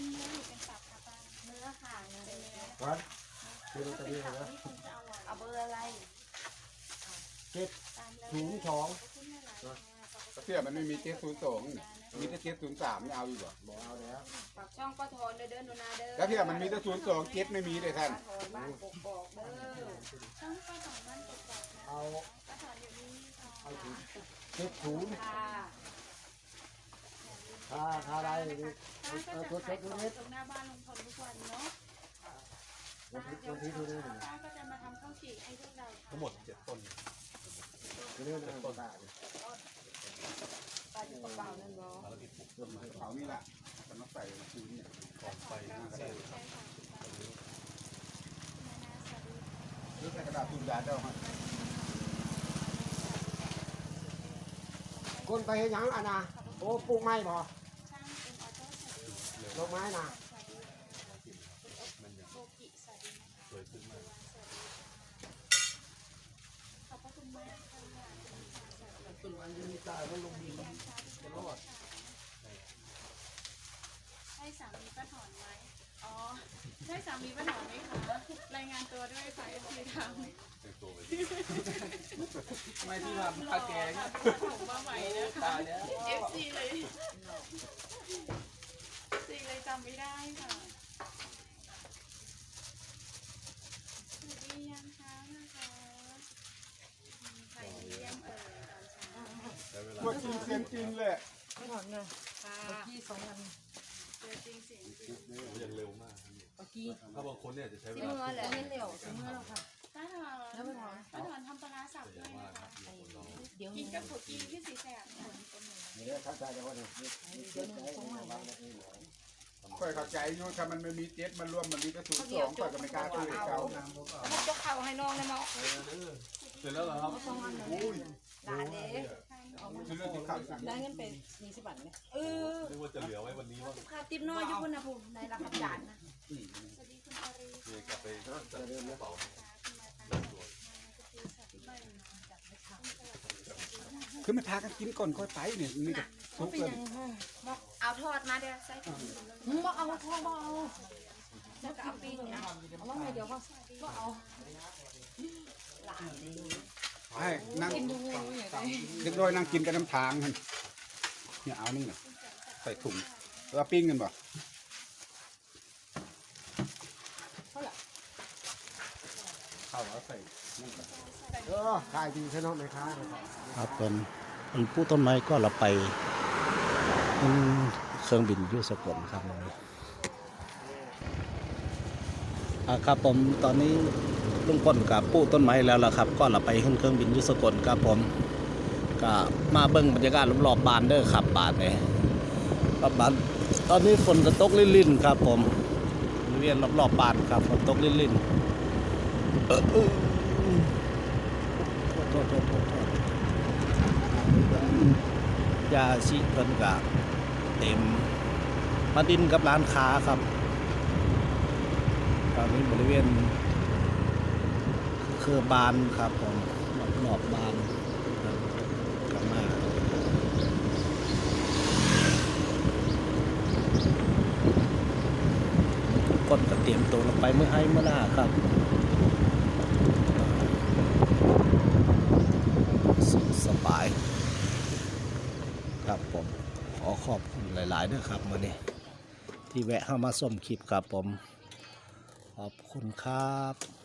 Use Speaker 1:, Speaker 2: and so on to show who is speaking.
Speaker 1: เนื้อหรือเป็นสับคะป้าเนื้อค่ะเนื้อเป็นเนื้อ
Speaker 2: วันคือลอตเตอรี่นะ
Speaker 1: นี่คงจะอร่อย
Speaker 3: เอาเบอร์อะไร
Speaker 2: 702
Speaker 4: เสื้อมันไม่มี702มีแต่703ไม่เอาอีกเหรอ
Speaker 2: บอกเอาแล้ว
Speaker 3: ฝากช่องป้าทอนเด้อหนูนาเด้อ
Speaker 4: แล้วเสื้อมันมีแต่02 7ไม่มีเลยท่าน
Speaker 3: ป้าทอนบ้านกกอกเด้อ
Speaker 1: ช่องป้าสอนบ้านกกอกนะ
Speaker 2: เอา
Speaker 1: ป้าสอนอยู่นี่ค่ะ
Speaker 2: เอาถึง70
Speaker 3: ค่ะ
Speaker 2: ถ้าได้นี่
Speaker 1: ป้าก็
Speaker 2: เอา
Speaker 1: จะ
Speaker 2: ตัว
Speaker 1: ขาย
Speaker 2: เช็ค
Speaker 1: ข
Speaker 2: ดู
Speaker 1: อง
Speaker 2: นิด
Speaker 1: ตรงหน้าบ้านลุงพลทุกวันเนาะ
Speaker 2: วัน
Speaker 1: ป้า
Speaker 2: ที่
Speaker 1: เดี๋ยว
Speaker 2: ดูนี่
Speaker 1: ป้าก็จะมาทำข้าวจี่ให้พวกเราค่ะ
Speaker 5: ทั้งหมด7 ต้น
Speaker 2: ดูนี่นะต้นตา
Speaker 3: ป้าอยู่กระเป๋านั่นบ่
Speaker 5: ภารกิจปลูก
Speaker 4: ต้นไม้เขานี่แหละมันต้องใส่ชื้นเนี่ย
Speaker 5: กองไฟหน้ากระ
Speaker 1: ใช่
Speaker 5: ดาษ
Speaker 1: ค่ะป้าคุณนาสวัสดี
Speaker 4: หรือใส่กระดาษตุนยาเจ้าฮะ
Speaker 2: คนไปเห็นยังอ่ะนะโอ้ปลูกไม้บ่
Speaker 1: ช่างเป็นออโต้สวัสดี
Speaker 2: ดอกไม้นะ
Speaker 1: สวัสดีคุณโอกิสวัสดีนะคะ
Speaker 5: สวยขึ้นมาก
Speaker 1: ขอบพระคุณมากค่ะ
Speaker 2: ต้นไม้ยังมีตายมันลงดินจะรอด
Speaker 1: ใช่สามีป้าถอนไหมอ๋อใช่สามีป้าถอนไหมคะรายงานตัวด้วยค่ะเอฟซีทาง
Speaker 5: แต่งตัวไป
Speaker 6: ไม่ที่ทำคาแกง
Speaker 1: ผมมาใหม่นะคะ
Speaker 6: ตายแล้ว
Speaker 1: เอฟซีเลยซีเลยจำไม่ได้ค่ะสวัสดียังเช้านะคะมีใครเยี่ยมเอ่ยตอนเช้า
Speaker 5: ใช้เวลา
Speaker 4: ตัวจริงเสียงจริงเลย
Speaker 3: ไม่ถอนเลย
Speaker 1: ค่ะ
Speaker 3: เมื่อกี้2 วัน
Speaker 1: เจอจริงเสียงจริง
Speaker 5: ยังเร็วมาก
Speaker 3: เมื่อกี้
Speaker 5: ถ้าบางคนเนี่ยจะใช้เว
Speaker 3: สิ
Speaker 5: ลา
Speaker 3: เมื่อแหละไม่เร็วสิเมื่อแล้วค่ะ
Speaker 1: ป้าถอน
Speaker 3: แล้วไม่ถอน
Speaker 1: ป้าถอนทำปลาร้าสับด้วยนะคะ
Speaker 3: เดี๋ยว
Speaker 1: กินกับผักกีที่สีแสบค่ะ
Speaker 2: นี่แหละเข้าใจแล้วว่าเนี่ยเกิดใจของมัน
Speaker 4: ค่อยเข้าใจอยู่ถ้ามันไม่มี7มันรวมมันมีแต่02ค่อยก็ไม่กล้าซื้อให้เขา
Speaker 3: แล้วก็เข้าให้น้องเลยเนาะ
Speaker 5: เสร็จแล้วเหรอครับ
Speaker 4: อุ้ย
Speaker 3: หลานเด้
Speaker 4: ซื้อเรื่องที่ข้าวสั่ง
Speaker 3: ได้เงินเป็น20 บาทไหม
Speaker 5: นึกว่าจะเหลือไว้วันนี้ว่า
Speaker 3: ค่าติ๊บน้อยอยู่พุ่นนะผมในราคาจานนะ
Speaker 1: สวัสดีคุณอารี
Speaker 5: เนี่ยกลับไปจัดกระเป๋า
Speaker 4: คือไม่พากันกินก่อนค่อยไปเนี่ยนี่ก็ทุกเลย
Speaker 3: เอาทอดมาเดี๋ยวใส่ถุงบ่เอาทอดบ่เอาแล้วก็เอาปิ้งนะเอาว่าไงเดี๋ยวก็เอาหลานนี่
Speaker 4: ให้นั่งเด็กน้อยนั่งกินกันน้ำทางกันเนี่ยเอานี่นะใส่ถุงแล้วปิ้งกันบ่ เข้าแล้วใส่นั่นก่อน
Speaker 2: ขายดีใช่ไหมแม่ค้าเลยครับ
Speaker 7: ครับผมมันผู้ต้นไม้ก็เราไปเครื่องบินอยุสกลครับผมครับผมตอนนี้ลุงพลกับผู้ต้นไม้แล้วล่ะครับ ก็เราไปขึ้นเครื่องบินอยุสกลครับผมก็มาเบิ่งบรรยากาศรอบๆบ้านเด้อครับบ้านนี่บ้านตอนนี้ฝนก็ตกลิ่นๆครับผมบริเวณรอบๆบ้านครับฝนตกลิ่นๆโทษยาชิเพิ่นกะเต็มมาดินกับร้านค้าครับตอนนี้บริเวณเครือบานครับผมรอบบานครับกลับมาก้นก็เตรียมตัวลงไปเมื่อให้เมื่อหน้าครับสบายครับผมขอขอบคุณหลายๆด้วยครับมื้อนี้ที่แวะเข้ามาชมคลิปครับผมขอบคุณครับ